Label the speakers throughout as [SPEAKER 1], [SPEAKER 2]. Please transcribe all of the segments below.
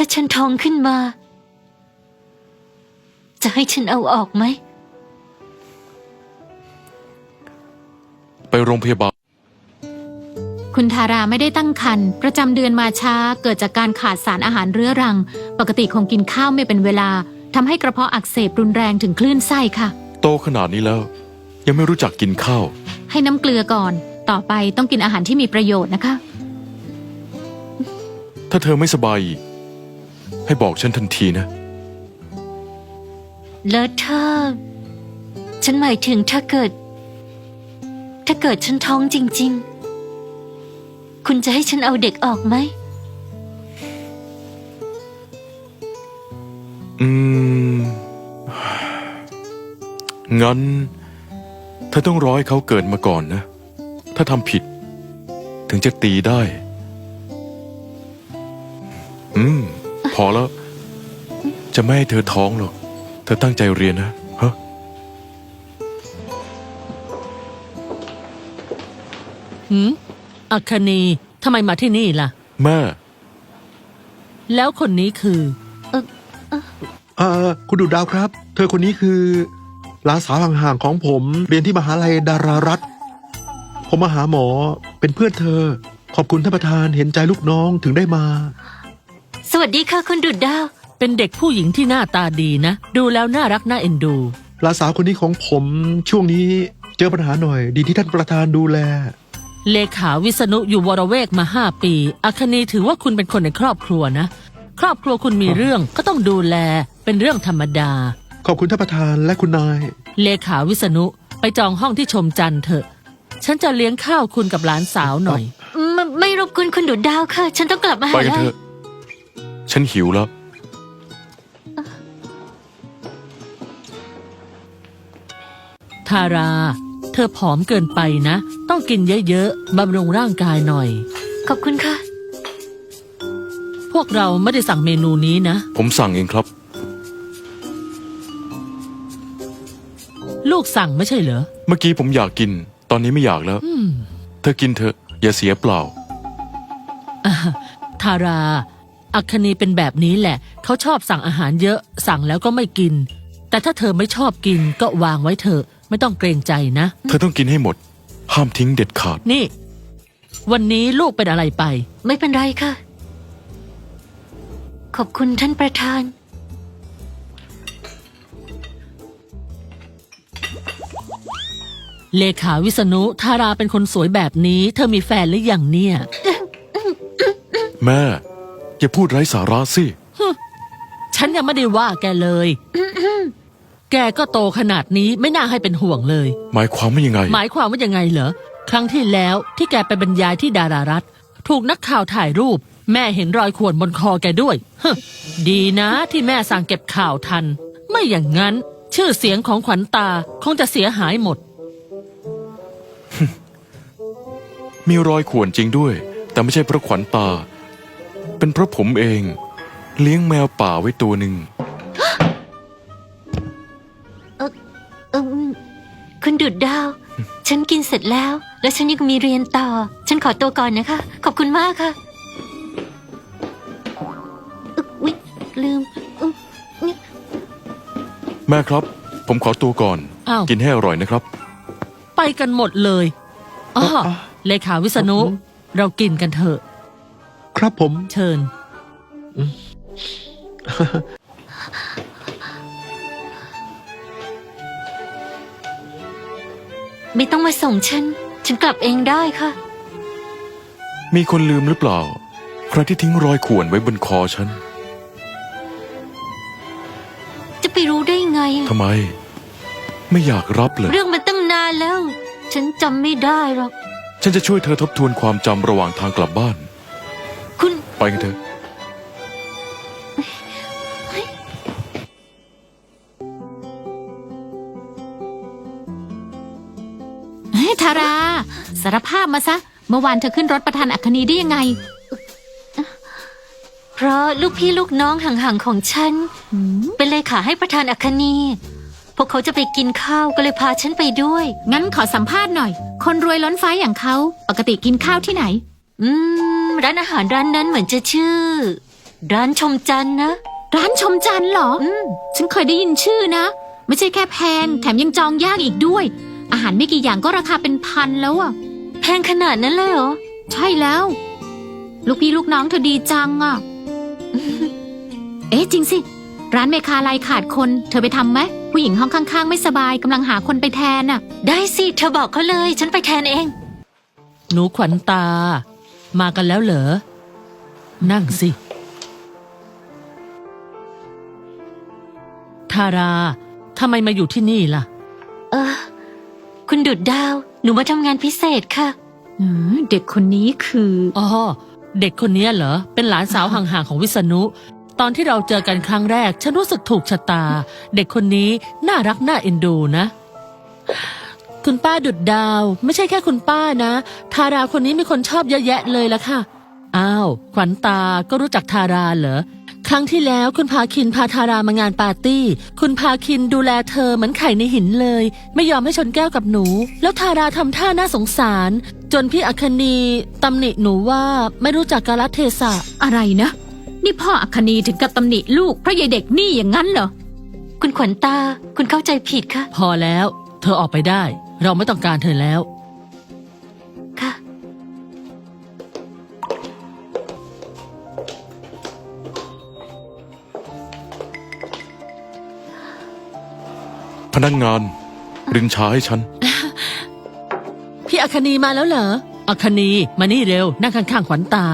[SPEAKER 1] าฉันท้องขึ้นมา จะให้ฉันเอาออกไหม
[SPEAKER 2] ไปโรงพยาบาล
[SPEAKER 3] คุณทาราไม่ได้ตั้งครรภ์ประจำเดือนมาช้าเกิดจากการขาดสารอาหารเรื้อรัง ปกติคงกินข้าวไม่เป็นเวลาทำให้กระเพาะอักเสบรุนแรงถึงคลื่นไส้ค่ะ
[SPEAKER 2] โตขนาดนี้แล้ว ยังไม่รู้จักกินข้าว
[SPEAKER 3] ให้น้ำเกลือก่อนต่อไปต้องกินอาหารที่มีประโยชน์นะคะ
[SPEAKER 2] ถ้าเธอไม่สบายอีกให้บอกฉันทันทีนะ
[SPEAKER 1] แล้วถ้าฉันหมายถึงถ้าเกิดฉันท้องจริงๆ คุณจะให้ฉันเอาเด็กออกไหม
[SPEAKER 2] งั้นเธอต้องรอให้เขาเกิดมาก่อนนะ ถ้าทำผิด ถึงจะตีได้ พอแล้ว จะไม่ให้เธอท้องหรอก เธอตั้งใจเรียนนะฮะ
[SPEAKER 4] อัคนีทำไมมาที่นี่ล่ะ
[SPEAKER 2] แม่
[SPEAKER 4] แล้วคนนี้คือ
[SPEAKER 5] คุณดุดดาวครับ เธอคนนี้คือหลานสาวห่างๆของผมเรียนที่มหาลัยดารารัฐผมมาหาหมอเป็นเพื่อนเธอ ขอบคุณท่านประธานเห็นใจลูกน้องถึงได้มา
[SPEAKER 1] สวัสดีค่ะคุณดุดดาว
[SPEAKER 4] เป็นเด็กผู้หญิงที่หน้าตาดีนะ ดูแล้วน่ารักน่าเอ็นดู
[SPEAKER 5] หลานสาวคนนี้ของผมช่วงนี้เจอปัญหาหน่อย ดีที่ท่านประธานดูแล
[SPEAKER 4] เลขาวิษณุอยู่วรเวกมา5 ปี อัคนีถือว่าคุณเป็นคนในครอบครัวนะ ครอบครัวคุณมีเรื่องก็ต้องดูแลเป็นเรื่องธรรมดา
[SPEAKER 5] ขอบคุณท่านประธานและคุณนาย
[SPEAKER 4] เลขาวิษณุไปจองห้องที่ชมจันทร์เถอะ ฉันจะเลี้ยงข้าวคุณกับหลานสาวหน่อย
[SPEAKER 1] ไม่รบกวนคุณดุดดาวค่ะ ฉันต้องกลับมา
[SPEAKER 2] ไป
[SPEAKER 1] หา
[SPEAKER 2] กัน
[SPEAKER 1] ลั
[SPEAKER 2] เถ
[SPEAKER 1] ย
[SPEAKER 2] อะ ฉันหิวแล้ว
[SPEAKER 4] ทารา เธอผอมเกินไปนะ ต้องกินเยอะๆบำรุงร่างกายหน่อย
[SPEAKER 1] ขอบคุณค่ะ
[SPEAKER 4] พวกเราไม่ได้สั่งเมนูนี้นะ
[SPEAKER 2] ผมสั่งเองครับ
[SPEAKER 4] ลูกสั่งไม่ใช่เหรอ
[SPEAKER 2] เมื่อกี้ผมอยากกิน ตอนนี้ไม่อยากแล้ว เธอกินเถอะ อย่าเสียเปล่า
[SPEAKER 4] ทารา อัคนีเป็นแบบนี้แหละ เขาชอบสั่งอาหารเยอะ สั่งแล้วก็ไม่กิน แต่ถ้าเธอไม่ชอบกินก็วางไว้เถอะ ไม่ต้องเกรงใจนะ
[SPEAKER 2] เธอต้องกินให้หมด ห้ามทิ้งเด็ดขาด
[SPEAKER 4] นี่ วันนี้ลูกเป็นอะไรไป
[SPEAKER 1] ไม่เป็นไรค่ะ ขอบคุณท่านประธาน
[SPEAKER 4] เลขาวิษณุทาราเป็นคนสวยแบบนี้ เธอมีแฟนหรือยังเนี่ย
[SPEAKER 2] แม่ อย่าพูดไร้สาระสิ
[SPEAKER 4] ฉันยังไม่ได้ว่าแกเลย แกก็โตขนาดนี้ไม่น่าให้เป็นห่วงเลย
[SPEAKER 2] หมายความว่ายังไง
[SPEAKER 4] หมายความว่ายังไงเหรอ ครั้งที่แล้วที่แกไปบรรยายที่ดารารัฐ ถูกนักข่าวถ่ายรูป แม่เห็นรอยข่วนบนคอแกด้วยฮะดีนะที่แม่สั่งเก็บข่าวทัน ไม่อย่างนั้น ชื่อเสียงของขวัญตาคงจะเสียหายหมด
[SPEAKER 2] มีรอยข่วนจริงด้วย แต่ไม่ใช่เพราะขวัญตา เป็นเพราะผมเอง เลี้ยงแมวป่าไว้ตัวหนึ่ง
[SPEAKER 1] คุณดุดดาว ฉันกินเสร็จแล้ว และฉันยังมีเรียนต่อ ฉันขอตัวก่อนนะคะ ขอบคุณมากค่ะอุ๊ยลืม
[SPEAKER 2] แม่ครับ ผมขอตัวก่อน
[SPEAKER 4] อ้าว
[SPEAKER 2] กินให้อร่อยนะครับ
[SPEAKER 4] ไปกันหมดเลยอ้อเลขาวิษณุ เรากินกันเถอะ
[SPEAKER 5] ครับผม
[SPEAKER 4] เชิญ
[SPEAKER 1] ไม่ต้องมาส่งฉัน ฉันกลับเองได้ค่ะ
[SPEAKER 2] มีคนลืมหรือเปล่า ใครที่ทิ้งรอยข่วนไว้บนคอฉัน
[SPEAKER 1] จะไปรู้ได้ไง
[SPEAKER 2] ทำไม ไม่อยากรับเลย
[SPEAKER 1] เรื่องมันตั้งนานแล้ว ฉันจำไม่ได้หรอก
[SPEAKER 2] ฉันจะช่วยเธอทบทวนความจำระหว่างทางกลับบ้าน
[SPEAKER 1] คุณ
[SPEAKER 2] ไปกันเถอะ
[SPEAKER 3] เฮ้ยทาราสารภาพมาซะ เมื่อวานเธอขึ้นรถประธานอัคนีได้ยังไง
[SPEAKER 1] เพราะลูกพี่ลูกน้องห่างๆของฉัน เป็นเลขาให้ประธานอัคนี พวกเขาจะไปกินข้าวก็เลยพาฉันไปด้วย
[SPEAKER 3] งั้นขอสัมภาษณ์หน่อย คนรวยล้นฟ้าอย่างเขาปกติกินข้าวที่ไหน
[SPEAKER 1] ร้านอาหารร้านนั้นเหมือนจะชื่อร้านชมจันทร์นะ
[SPEAKER 3] ร้านชมจันทร์เหรอ ฉันเคยได้ยินชื่อนะ ไม่ใช่แค่แพง แถมยังจองยากอีกด้วย อาหารไม่กี่อย่างก็ราคาเป็นพันแล้วอะ
[SPEAKER 1] แพงขนาดนั้นเลยเหรอ
[SPEAKER 3] ใช่แล้ว ลูกพี่ลูกน้องเธอดีจังอะ เอ๊ะจริงสิ ร้านเมคาไลขาดคน เธอไปทำไหมผู้หญิงห้องข้างๆ ไม่สบายกำลังหาคนไปแทนอะ
[SPEAKER 1] ได้สิเธอบอกเขาเลย ฉันไปแทนเอง
[SPEAKER 4] หนูขวัญตา มากันแล้วเหรอ นั่งสิ ทาราทำไมมาอยู่ที่นี่ล่ะ
[SPEAKER 1] คุณดุดดาว หนูมาทำงานพิเศษค่ะ
[SPEAKER 3] เด็กคนนี้คือ
[SPEAKER 4] อ๋อ เด็กคนนี้เหรอ เป็นหลานสาวห่างๆของวิษณุ ตอนที่เราเจอกันครั้งแรก ฉันรู้สึกถูกชะตา เด็กคนนี้น่ารักน่าเอ็นดูนะ คุณป้าดุดดาว ไม่ใช่แค่คุณป้านะ ทาราคนนี้มีคนชอบเยอะแยะเลยละค่ะ อ้าว ขวัญตาก็รู้จักทาราเหรอ ครั้งที่แล้วคุณพาคินพาทารามางานปาร์ตี้ คุณพาคินดูแลเธอเหมือนไข่ในหินเลย ไม่ยอมให้ชนแก้วกับหนู แล้วทาราทำท่าน่าสงสาร จนพี่อัคนีตำหนิหนูว่าไม่รู้จักกาลเทศะ
[SPEAKER 3] อะไรนะ นี่พ่ออัคนีถึงกับตำหนิลูกเพราะยายเด็กนี่อย่างนั้นเหรอ
[SPEAKER 1] คุณขวัญตา คุณเข้าใจผิดค่ะ
[SPEAKER 4] พอแล้ว เธอออกไปได้ เราไม่ต้องการเธอแล้ว
[SPEAKER 1] ค่ะ
[SPEAKER 2] พนักงานรินชาให้ฉัน
[SPEAKER 4] พี่อัคนีมาแล้วเหรอ อัคนีมานี่เร็ว นั่งข้างๆขวัญตา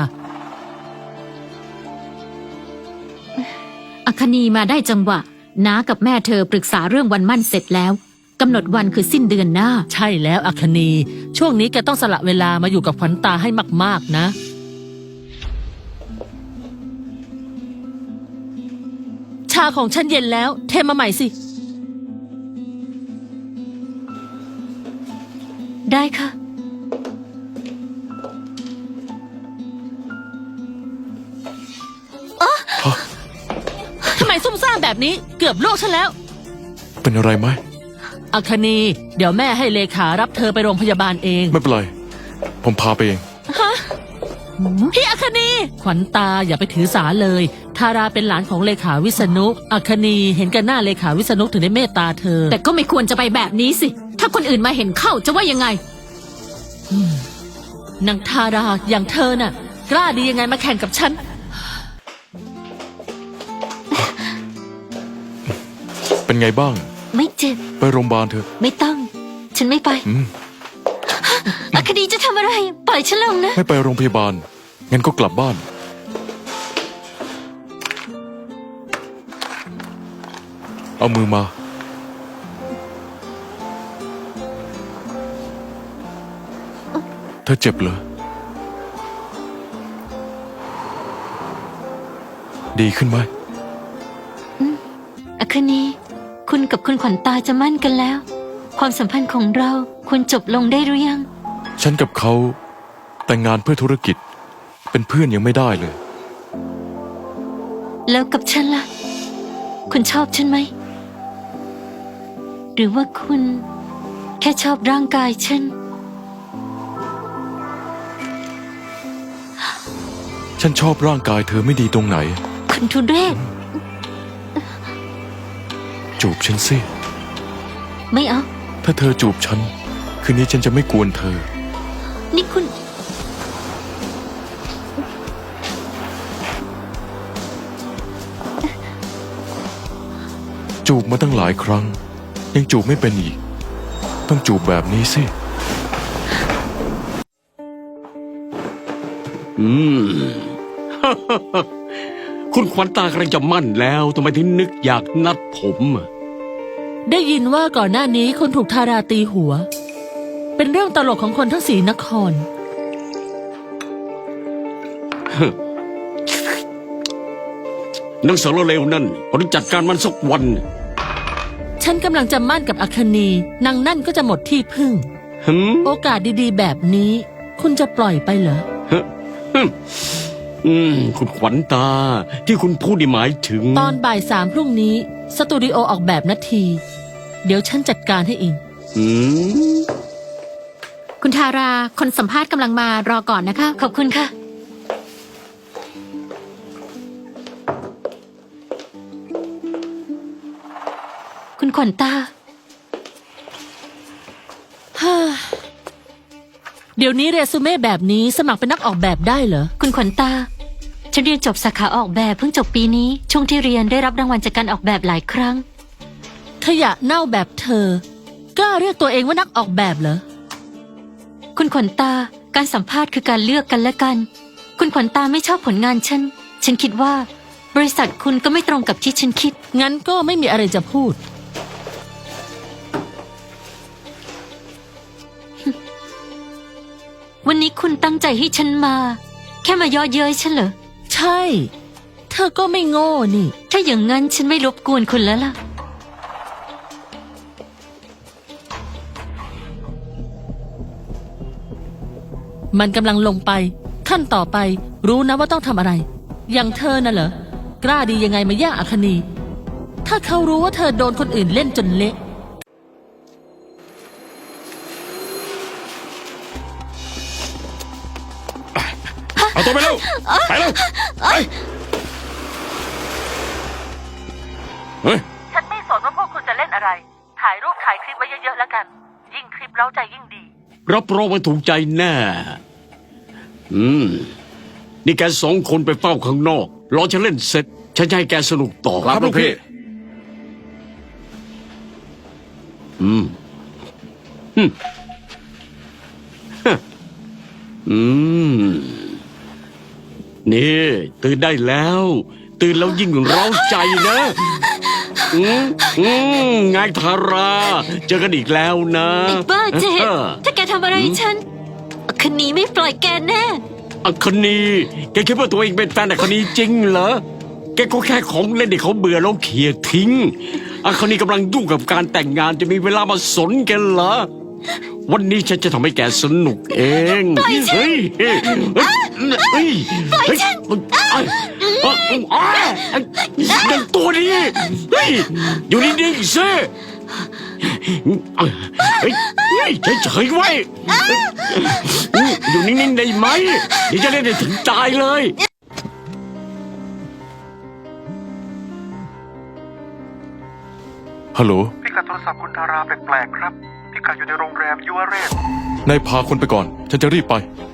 [SPEAKER 3] อัคนีมาได้จังหวะน้ากับแม่เธอปรึกษาเรื่องวันมั่นเสร็จแล้วกำหนดวันคือสิ้นเดือนหน้า
[SPEAKER 4] ใช่แล้วอัคนี ช่วงนี้แกต้องสละเวลามาอยู่กับขวัญตาให้มากๆนะ ชาของฉันเย็นแล้ว เทมาใหม่สิ
[SPEAKER 1] ได้ค่ะ
[SPEAKER 4] ทำไมซุ่มซ่ามแบบนี้ เกือบลวกฉันแล้ว
[SPEAKER 2] เป็นอะไรไหม
[SPEAKER 4] อัคนี เดี๋ยวแม่ให้เลขารับเธอไปโรงพยาบาลเอง
[SPEAKER 2] ไม่เป็นไร ผมพาไปเอง
[SPEAKER 4] พี่อัคนี ขวัญตาอย่าไปถือสาเลย ทาราเป็นหลานของเลขาวิษณุ อัคนีเห็นกันหน้าเลขาวิษณุถึงได้เมตตาเธอ
[SPEAKER 3] แต่ก็ไม่ควรจะไปแบบนี้สิ ถ้าคนอื่นมาเห็นเข้าจะว่ายังไง
[SPEAKER 4] นางทาราอย่างเธอน่ะ กล้าดียังไงมาแข่งกับฉัน
[SPEAKER 2] เป็นไงบ้าง
[SPEAKER 1] ไม่เจ็บ
[SPEAKER 2] ไปโรงพยาบาลเถอะ
[SPEAKER 1] ไม่ต้อง ฉันไม่ไป
[SPEAKER 2] อืม
[SPEAKER 1] อัคดีจะทำอะไร ปล่อยฉันลงนะ
[SPEAKER 2] ไม่ไปโรงพยาบาล งั้นก็กลับบ้าน เอามือมา เธอเจ็บเหรอ ดีขึ้นไหม
[SPEAKER 1] อัคนี คุณกับคุณขวัญตาจะมั่นกันแล้ว ความสัมพันธ์ของเราควรจบลงได้หรือยัง
[SPEAKER 2] ฉันกับเขาแต่งงานเพื่อธุรกิจ เป็นเพื่อนยังไม่ได้เลย
[SPEAKER 1] แล้วกับฉันล่ะ คุณชอบฉันไหม หรือว่าคุณแค่ชอบร่างกายฉัน
[SPEAKER 2] ฉันชอบร่างกายเธอไม่ดีตรงไหน
[SPEAKER 1] คุณทุเรศ
[SPEAKER 2] จูบฉันสิ
[SPEAKER 1] ไม่เอา
[SPEAKER 2] ถ้าเธอจูบฉัน คืนนี้ฉันจะไม่กวนเธอ
[SPEAKER 1] นี่คุณ
[SPEAKER 2] จูบมาตั้งหลายครั้ง ยังจูบไม่เป็นอีก ต้องจูบแบบนี้สิ
[SPEAKER 6] คุณขวัญตากำลังจะมั่นแล้วทำไมถึงนึกอยากนัดผมอะ
[SPEAKER 4] ได้ยินว่าก่อนหน้านี้คุณถูกทาราตีหัว เป็นเรื่องตลกของคนทั้งสีนคร
[SPEAKER 6] นังสารเลวนั่นผมจัดการมันสักวัน
[SPEAKER 4] ฉันกำลังจะมั่นกับอัคนีนางนั่นก็จะหมดที่พึ่ง
[SPEAKER 6] หืม
[SPEAKER 4] โอกาสดีๆ แบบนี้ คุณจะปล่อยไปเหรอ
[SPEAKER 6] คุณขวัญตาที่คุณพูดนี่หมายถึง
[SPEAKER 4] ตอนบ่าย3พรุ่งนี้ สตูดิโอออกแบบนาที เดี๋ยวฉันจัดการให้เอง
[SPEAKER 6] อืม
[SPEAKER 3] คุณทาราคนสัมภาษณ์กำลังมารอก่อนนะคะ
[SPEAKER 1] ขอบคุณค่ะคุณขวัญตา
[SPEAKER 4] เดี๋ยวนี้เรซูเม่แบบนี้สมัครเป็นนักออกแบบได้เหรอ
[SPEAKER 1] คุณขวัญตา ฉันเรียนจบสาขาออกแบบเพิ่งจบปีนี้ ช่วงที่เรียนได้รับรางวัลจากการออกแบบหลายครั้ง
[SPEAKER 4] ขยะเน่าแบบเธอกล้าเรียกตัวเองว่านักออกแบบเหรอ
[SPEAKER 1] คุณขวัญตา การสัมภาษณ์คือการเลือกกันและกัน คุณขวัญตาไม่ชอบผลงานฉัน ฉันคิดว่า บริษัทคุณก็ไม่ตรงกับที่ฉันคิด
[SPEAKER 4] งั้นก็ไม่มีอะไรจะพูด
[SPEAKER 1] วันนี้คุณตั้งใจให้ฉันมา แค่มาเย่อเย้ยฉันเหรอ
[SPEAKER 4] ใช่ เธอก็ไม่โง่นี่
[SPEAKER 1] ถ้าอย่างนั้นฉันไม่รบกวนคุณแล้วล่ะ
[SPEAKER 4] มันกำลังลงไป ขั้นต่อไป รู้นะว่าต้องทำอะไร อย่างเธอน่ะเหรอ กล้าดียังไงมาแย่งอัคนี ถ้าเขารู้ว่าเธอโดนคนอื่นเล่นจนเละ
[SPEAKER 6] เอาตัวไปเร็วไปเร็วไปเฮ้ย
[SPEAKER 4] ฉันไม่สนว่าพวกคุณจะเล่นอะไร ถ่ายรูปถ่ายคลิปไว้เยอะๆแล้วกัน ยิ่งคลิปเร้าใจยิ่งดี
[SPEAKER 6] รับรองว่าถูกใจแน่ นี่แกสองคนไปเฝ้าข้างนอก รอฉันเล่นเสร็จ ฉันจะให้แกสนุกต่อ
[SPEAKER 2] ครับลูกพี่
[SPEAKER 6] นี่ตื่นได้แล้ว ตื่นแล้วยิ่งเร้าใจนะไงทารา เจอกันอีกแล้วนะ
[SPEAKER 1] ไอ้บ้าเจดถ้าแกทำอะไรฉันคืนนี้ไม่ปล่อยแกแน่
[SPEAKER 6] อัคนีแกคิดว่าตัวเองเป็นแฟนอัคนีจริงเหรอ แกก็แค่ของเล่นที่เขาเบื่อแล้วเขี่ยทิ้งอัคนีกำลังยุ่งกับการแต่งงานจะมีเวลามาสนแกเหรอ วันนี้ฉันจะทำให้แกสนุกเองเฮ้ยปล่อยฉันเด็กตัวนี้เฮ้ยอยู่นิ่งๆสิเฮ้ยเฉยๆไว้อยู่นิ่งๆได้ไหมเดี๋ยวจะเล่นให้ถึงตายเลย
[SPEAKER 2] ฮัลโหล
[SPEAKER 5] พิกัดโทรศัพท์คุณทาราแปลกๆครับ พิกัดอยู่ในโรงแรมยุวเรศ
[SPEAKER 2] นายพาคนไปก่อน ฉันจะรีบไป